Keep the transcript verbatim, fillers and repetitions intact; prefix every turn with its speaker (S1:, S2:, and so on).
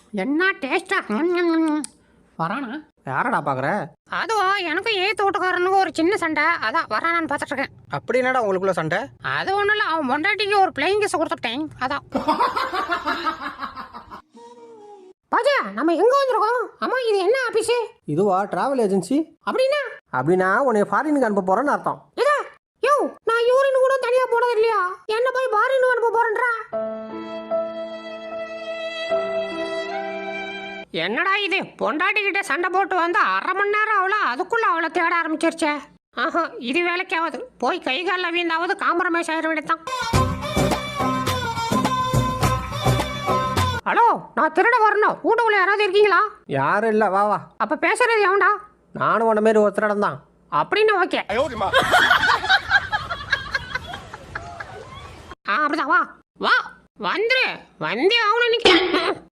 S1: என்ன டேஸ்டா வரானா?
S2: யாரடா பாக்குற?
S1: அதுவும் எனக்கும் ஏத்து வீட்டுக்காரனுக்கு ஒரு சின்ன சண்டை, அதான் வரானான்னு பார்த்துட்டு இருக்கேன்.
S2: அப்படி என்னடா உங்களுக்குள்ள சண்டை?
S1: அது ஒன்றும் இல்லை, அவன் பொண்டாட்டிக்கு ஒரு பிளேயிங் கேஸ் கொடுத்துட்டேன், அதான். பாஜா, நம்ம எங்க வந்திருக்கோம்? அம்மா, இது என்ன ஆபீஸ்?
S2: இதுவா டிராவல் ஏஜென்சி.
S1: அப்படின்னா?
S2: அப்படின்னா உன்னை ஃபாரினுக்கு அனுப்ப போறேன்னு அர்த்தம்.
S1: இதா யோ, நான் யூரின் கூட தனியா போனது இல்லையா, என்ன போய் ஃபாரினுக்கு அனுப்ப போறேன்றா? என்னடா இது, பொண்டாட்டி கிட்ட சண்டை போட்டு வந்து அரை மணி நேரம் அவள அதுக்குள்ள அவளை தேட ஆரம்பிச்சிருச்சே. ஆஹா, இது வேலைக்காவது போய் கை காலில் வீந்தாவது காம்ப்ரமைஸ் ஆயிட வேண்டியதான். ஹலோ, நான் திருட வரணும், வீட்டுக்குள்ள யாராவது இருக்கீங்களா?
S2: யாரும் இல்ல, வா வா.
S1: அப்ப பேசுறது எவன்டா?
S2: நானும் உன்ன மாரி ஒருத்தரிடம் தான்.
S1: அப்படின்னு ஓகே. ஆ, அப்படிதான், வா வா வந்துரு, வந்தே ஆகணும்.